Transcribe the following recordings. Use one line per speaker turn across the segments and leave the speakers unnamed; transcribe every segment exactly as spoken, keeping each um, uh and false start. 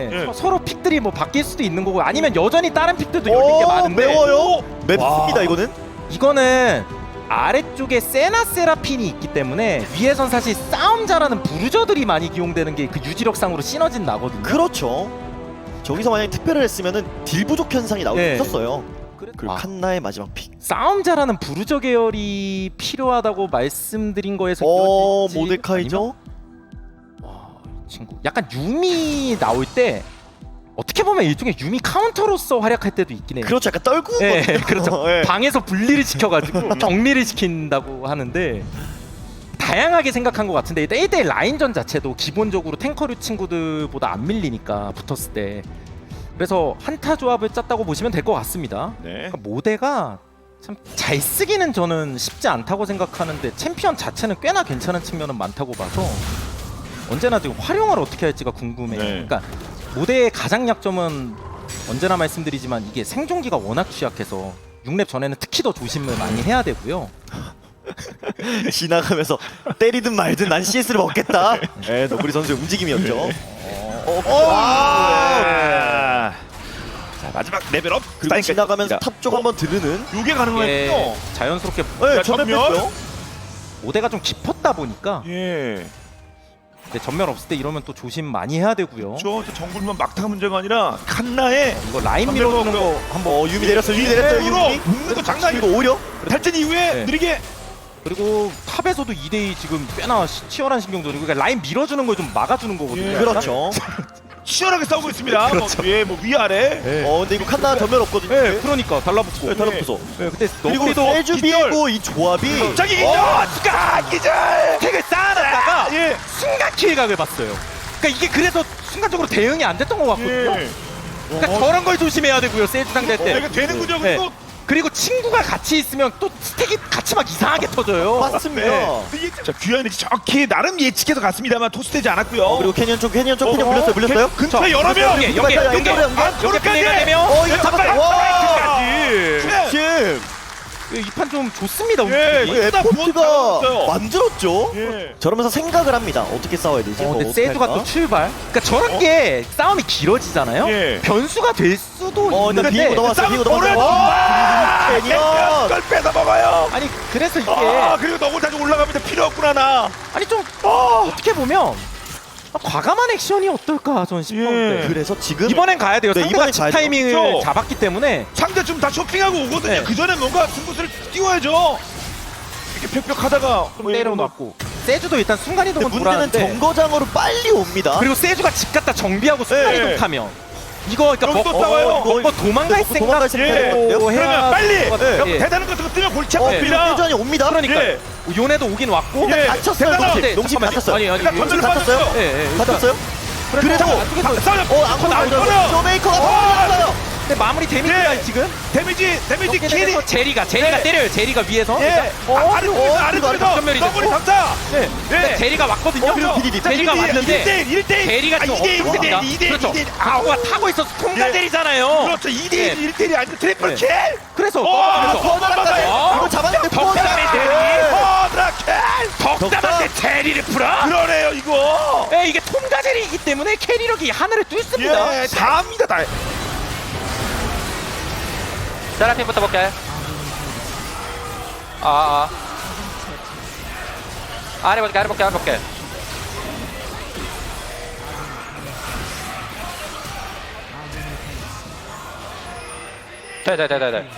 때문에
예.
서- 서로 픽들이 뭐 바뀔 수도 있는 거고 아니면 여전히 다른 픽들도 열린 게
오,
많은데
매워요. 맵습니다
와.
이거는.
이거는 아래쪽에 세나 세라핀이 있기 때문에 위에선 사실 싸움 잘하는 부르저들이 많이 기용되는 게 그 유지력상으로 시너진 나거든요.
그렇죠. 저기서 만약에 특별을 했으면은 딜 부족 현상이 나올 수
네.
있었어요.
그래-
그리고
아,
칸나의 마지막 픽.
싸움 잘하는 부르저 계열이 필요하다고 말씀드린 거에서
어,
이어질지
모데카이죠?
아니면- 와, 이 친구 약간 유미 나올 때 어떻게 보면 일종의 유미 카운터로서 활약할 때도 있긴 해요.
그렇죠. 약간 떨고.
예, 그렇죠.
예.
방에서 분리를 시켜가지고 정리를 시킨다고 하는데 다양하게 생각한 것 같은데 일단 일 대일 라인전 자체도 기본적으로 탱커류 친구들보다 안 밀리니까 붙었을 때 그래서 한타 조합을 짰다고 보시면 될 것 같습니다.
네.
그러니까 모대가 참 잘 쓰기는 저는 쉽지 않다고 생각하는데 챔피언 자체는 꽤나 괜찮은 측면은 많다고 봐서 언제나 지금 활용을 어떻게 할지가 궁금해요.
네.
그러니까 모대의 가장 약점은 언제나 말씀드리지만 이게 생존기가 워낙 취약해서 육 렙 전에는 특히 더 조심을 많이 해야 되고요.
지나가면서 때리든 말든 난 씨에스를 먹겠다. 예, 너구리 선수의 움직임이었죠. 어, 어,
아. 자 마지막 레벨업.
그리고
스타일까지
지나가면서
있습니다.
탑 쪽 한번 들으는.
이게 가능했군요.
이게 자연스럽게
네,
자,
전면
전면.
뺐고요.
모대가 좀 깊었다 보니까
예.
근데 전면 없을 때 이러면 또 조심 많이 해야 되고요.
저 정글만 막타가 문제가 아니라 칸나의
이거 라인 밀어주는 거
한번 어, 유미 내렸어요. 유미 내렸어요.
유미로
유미.
묶는 거 장난
그리고
아니고
오히려
탈진 이후에
네.
느리게
그리고 탑에서도 이 대 이 지금 꽤나 시- 치열한 신경전이고 그러니까 라인 밀어주는 걸 좀 막아주는 거거든요.
예.
약간.
그렇죠.
치열하게 싸우고 있습니다.
그렇죠.
뭐, 예, 뭐 위아래.
네.
어, 근데 이거 칸나 전면 없거든요.
네, 그러니까 달라붙고.
네, 달라붙어서.
네, 근데
그리고
너구리도
세주비고 이 조합이
저기 기절! 가 기절!
택을 쌓아놨다가
예.
순간 킬각을 봤어요. 그러니까 이게 그래서 순간적으로 대응이 안 됐던 것 같거든요.
예.
그러니까 저런 걸 조심해야 되고요. 세주 상대 때.
어, 이거 되는군요.
네.
그리고
그리고 친구가 같이 있으면 또 스택이 같이 막 이상하게 터져요.
맞습니다.
네. 이게 자, 귀환이 정확히 나름 예측해서 갔습니다.만 토스되지 않았고요.
어, 그리고 캐니언 쪽 캐니언 쪽 캐니언
어,
물렸어요. 물렸어요.
근처에 여러 명.
여기 여기
연결,
여기
연결, 연결.
여기 플레이가 되면
어, 이거 잡았어요. 와!
네.
지금
이 판 좀 좋습니다.
예,
움직임이.
예.
에포트가
부었어요.
만들었죠.
예.
저러면서 생각을 합니다. 어떻게 싸워야 되지?
어,
뭐
근데
어떻게
세주가
할까?
또 출발. 그러니까 저런 게 싸움이 길어지잖아요.
예.
변수가 될 수도
어, 근데
있는데.
비고 넘어왔어요.
싸움
비고 넘어왔어요.
오래
와! 캐니언.
걸 뺏어 먹어요.
아니 그래서 이게
아, 그리고 너굴 다시 올라가면서 필요 없구나 나.
아니 좀
어.
어떻게 보면 아, 과감한 액션이 어떨까 전 싶었는데.
예.
그래서 지금
이번엔 가야 돼요.
네,
상대가
이번엔
집
가야죠.
타이밍을
그렇죠.
잡았기 때문에
상대 좀 다 쇼핑하고 오거든요.
네.
그 전에 뭔가 승부수를 띄워야죠. 이렇게 벽벽하다가
좀 때려놓고 세주도 일단 순간이동은
근데 문제는
돌았는데
정거장으로 빨리 옵니다.
그리고 세주가 집 갔다 정비하고 순간이동
네.
타면 이거 그러니까
여기도
뭐,
싸워요.
어, 뭐, 뭐 도망갈
뭐 도망갈
생각
생각을
예.
해요.
그러면 빨리
것 같아요.
여기
예.
대단한 거 뜨면 골치
어, 그리고
아픕니다.
세주안이 옵니다.
그러니까
예.
요네도 오긴 왔고
예.
다쳤어요.
대단하다.
농심.
근데
농심
잠깐만요.
다쳤어요.
아니 아니
그러니까
농심
던져를
다쳤어요?
빠졌어요.
예, 예, 일단
다쳤어요?
그래서
그래도
안쪽에서
싸워.
어, 안고
나오죠.
나오죠. 쇼메이커가 빠졌어요.
근데 마무리 데미지가
예.
지금
데미지 데미지
이렇게
킬이
되면서 제리가 제리가
예.
때려요. 제리가 위에서
예.
어,
아, 아래쪽에서
어,
아래쪽에서
전멸이
너구리
됐고.
감사.
네.
예.
근데 제리가 왔거든요.
어, 그리고
비디디.
제리가 왔는데
일 대 일
제리가 좀 없습니다. 그렇죠. 아우가 타고 있어서 통과
예.
제리잖아요.
그렇죠. 이 대 일,
예.
일 대 일이 아니고 트리플
예.
킬.
그래서
어,
그래서
더 날아가요.
어?
이거 잡았는데
덕담의
뽀-
제리.
허드라 킬.
덕담한테 제리를 풀어?
그러네요 이거.
예, 이게 통과 제리이기 때문에 캐리력이 하늘을 뚫습니다.
예, 다 합니다 다.
세라핀부터 볼게. 아, 아. 아래 볼게, 아래 볼게, 아래 볼게. 돼, 돼, 돼, 돼, 돼.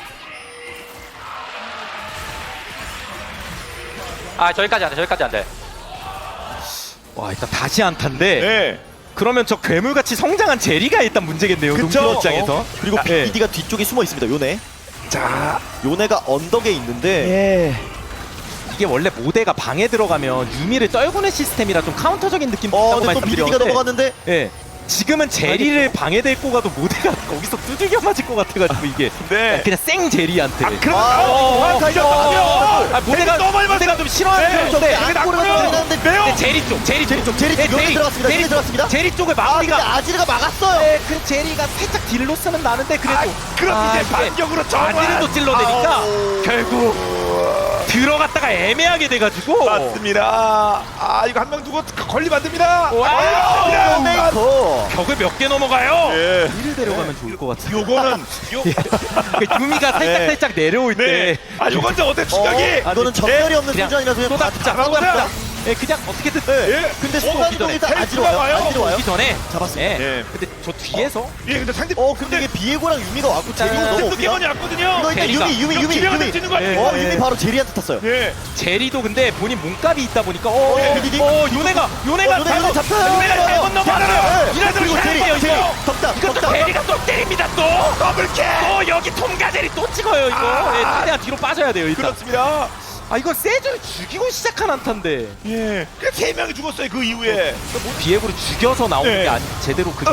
아, 저기까지 안 돼, 저기까지 안 돼.
와, 일단 다시 안타인데
네.
그러면 저 괴물같이 성장한 제리가 일단 문제겠네요.
그쵸?
농구 입장에서.
그리고
아, 예.
비디디가 뒤쪽에 숨어 있습니다. 요네.
자,
요네가 언덕에 있는데
예. 이게 원래 모대가 방에 들어가면 유미를 떨구는 시스템이라 좀 카운터적인 느낌도
어,
있다고
근데 또 비디디가
말씀드렸는데
넘어갔는데
예. 지금은 제리를 방에 데리고 가도 모대가 거기서 두들겨 맞을 것 같아가지고 이게
네.
그냥 생 제리한테
아, 그럼
아,
어,
아, 가죠.
아, 모대가
너무 많이
모대가
봤어요.
좀 싫어하는
네,
편인데
저기
안고를
낙고요.
들어갔는데
매워.
근데 제리 쪽 제리
제리 쪽, 제리
네,
쪽, 여기 들어갔습니다.
제리
여기 들어갔습니다.
제리 쪽을
아, 근데
마무리가
아지르가 막았어요.
네, 그 제리가 살짝 딜로 쓰는 나는데 그래도
아, 그럼
아,
이제
이게
반격으로 정말.
아지르도 찔러대니까
아우.
결국 들어갔다가 애매하게 돼가지고
맞습니다. 아 이거 한 명 두고 걸리면 안 됩니다.
와.
아,
메이커.
벽을 몇 개 넘어가요.
예.
위를 데려가면 좋을 것 같아요.
요거는 요
그러니까 유미가 살짝
네.
살짝 내려올
네.
때
아 요건 저 어때 추격이?
어, 이거는 전멸이 없는
그냥
순간이라서 그냥
쏟아붓자,
잡아보자.
쏟아붓자. 예, 그냥 어떻게든
예.
근데
어,
순간이동
오기
일단
전에
아지러 와요.
와요.
아지러 와요.
오기 전에
잡았습니다.
예.
예.
근데 저 뒤에서
예 근데 상대
어 근데 이게 비에고랑 유미가 왔고 제리가
아,
너무
또
없냐?
기본이 왔거든요.
이거 일단
제리가.
유미 유미 유미
기명을
유미.
뛰는 거
예.
아니에요?
어 유미 바로 제리한테 탔어요.
예.
제리도 근데 본인 몸값이 있다 보니까 어,
예,
어,
비디디.
어 요네가 요네가
어, 요네가
잘못
잡혀요.
요네가 잘못 넘어갔어요.
예.
이래서
그리고 제리
이거
제리
이거
덕담
이것도
덕담.
제리가 또 때립니다 또.
더블캐.
또 여기 톰가젤이 또 찍어요 이거.
아.
예, 최대한 뒤로 빠져야 돼요 일단.
그렇습니다.
아 이건 세주를 죽이고 시작한 안타인데
예. 그세 명이 죽었어요 그 이후에.
비에고를 죽여서 나오는
네.
게 아니 제대로 그.
어,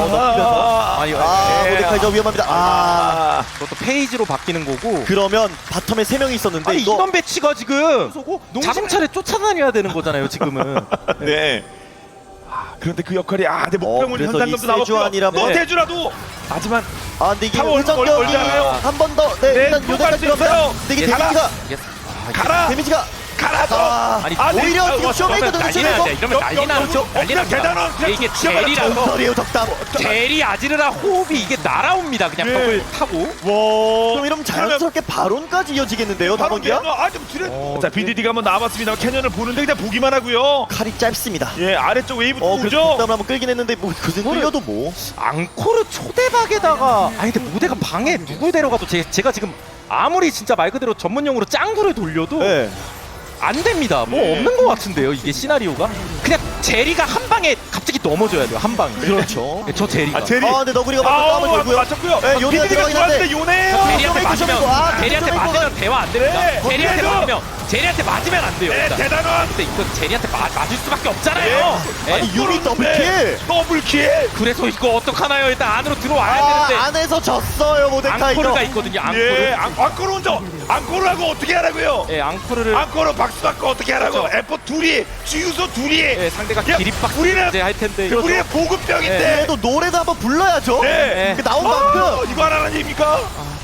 넘기면서.
아니
아
예.
모데카이저 위험합니다. 아
아.
그것도 페이지로 바뀌는 거고.
그러면 바텀에 세 명이 있었는데
아니
이거
이런 배치가 지금 자동차를 쫓아다녀야 되는 거잖아요 지금은.
네. 아, 그런데 그 역할이 아, 내
어,
목표물
그래서
현상금도
이
나왔고요.
세주안이라면-
너
네.
세주라도 하지만
아 근데 이게
타워 얼마
회전격이
멀지 않아요?
한 번 더. 네,
네,
일단
또
요대까지
갈수 있어요.
들어가면 근데 이게
예,
데미지가
이게- 아, 이게-
가라.
데미지가
가라죠.
아,
아니,
아, 네.
오히려
아,
이거
와,
쇼메이커
이러면 난리
눈치에서
나죠. 이러면 난리 나죠.
어,
난리
그냥
납니다.
대단한 그냥
이게
지어버려.
제리라서
전설이에요 덕담.
제리 아지르라 호흡이 이게 날아옵니다. 그냥
예.
벽을 타고.
와.
그럼 이러면 자연스럽게 바론까지 이어지겠는데요
바로
다번기야?
캐년. 아, 좀 줄여.
어,
자, 비디디가 한번 나와봤습니다. 캐년을 보는데 그냥 보기만 하고요.
칼이 짧습니다.
예, 아래쪽 웨이브
어 그래서
오죠.
덕담을 한번 끌긴 했는데 뭐 그새 끌려도 뭐.
앙코르 초대박에다가 아니 근데 무대가 방에 누굴 데려가도 제, 제가 지금 아무리 진짜 말 그대로 전문용어로 짱구를 돌려도
네.
안 됩니다. 뭐
예.
없는 것 같은데요 이게 시나리오가. 그냥 제리가 한 방에 갑자기 넘어져야 돼요 한 방에.
그렇죠.
저 제리가.
아, 제리.
아 근데 너구리가 먼저
아,
싸움을 걸고요.
맞췄고요.
네, 요네가
비디디가
들어가긴 한데.
들어왔는데 요네.
제리한테
쇼메이커,
맞으면
쇼메이커. 아,
제리한테
쇼메이커가-
맞으면 대화 안 됩니다.
네,
제리한테
거기에도-
맞으면 제리한테 맞으면 안 돼요.
네,
일단.
대단한.
근데 이거 제리한테 마, 맞을 수밖에 없잖아요. 예?
아니 유미 더블킬.
더블킬.
그래서 이거 어떡하나요? 일단 안으로 들어와야
아
되는데
안에서 졌어요 모데카이저.
앙코르가 있거든요. 앙코르.
예, 앙, 앙코르 혼자. 앙코르하고 어떻게 하라고요?
예, 앙코르를
앙코르 박수 받고 어떻게 하라고?
그렇죠.
에포 둘이, 주유소 둘이.
예, 상대가
야,
기립박
우리는
이제 할 텐데.
우리의 보급병인데.
그래도 노래도 한번 불러야죠.
네.
그 나온
아,
만큼.
이거 하나는 입니까?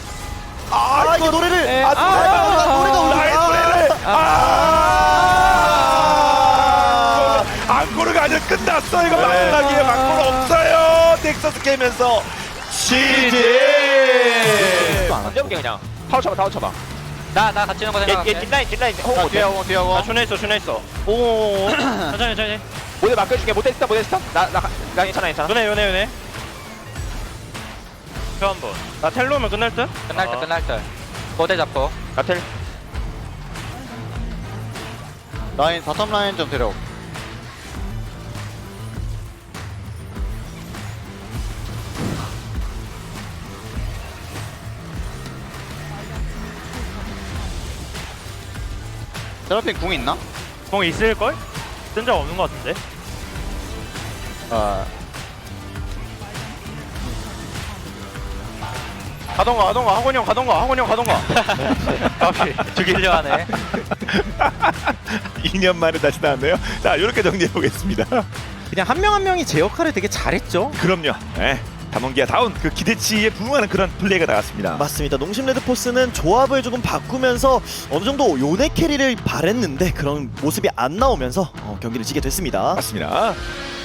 아,
아 이거 노래를.
예,
아,
아,
노래가
아,
노래가 울려.
나의 노래를. 아, 앙코르가 아직 끝났어. 이거 마지막이에요. 앙코르 없어요. 넥서스 깨면서 시즈.
던져볼게 그냥. 타워 쳐봐 타워 쳐봐. 나 나 같이 있는 거 생각할게.
얘 뒷라인 뒷라인
어, 뒤에 하고 뒤에 하고.
나 준해 있어 준해 있어
오.
천천히 천천히
모델 맡겨줄게. 모델 스탑 모델 스탑. 나나 나 괜찮아 괜찮아.
요네 요네 요네 한번 나 텔로 오면 끝날 듯?
끝날 때
어.
끝날 때. 모델 잡고.
나텔 라인 바텀 라인 좀 데려 세라핀 궁 있나?
공 있을걸? 쓴 적 없는 것 같은데?
아 가던가 가던가 학원이 형 가던가 학원이 형 가던가
까비. 죽이려 하네.
이 년 만에 다시 나왔네요. 자, 이렇게 정리해 보겠습니다.
그냥 한 명 한 명이 제 역할을 되게 잘했죠.
그럼요. 네. 담원기아 다운 그 기대치에 부응하는 그런 플레이가 나왔습니다.
맞습니다. 농심 레드포스는 조합을 조금 바꾸면서 어느 정도 요네 캐리를 바랬는데 그런 모습이 안 나오면서 어, 경기를 지게 됐습니다.
맞습니다.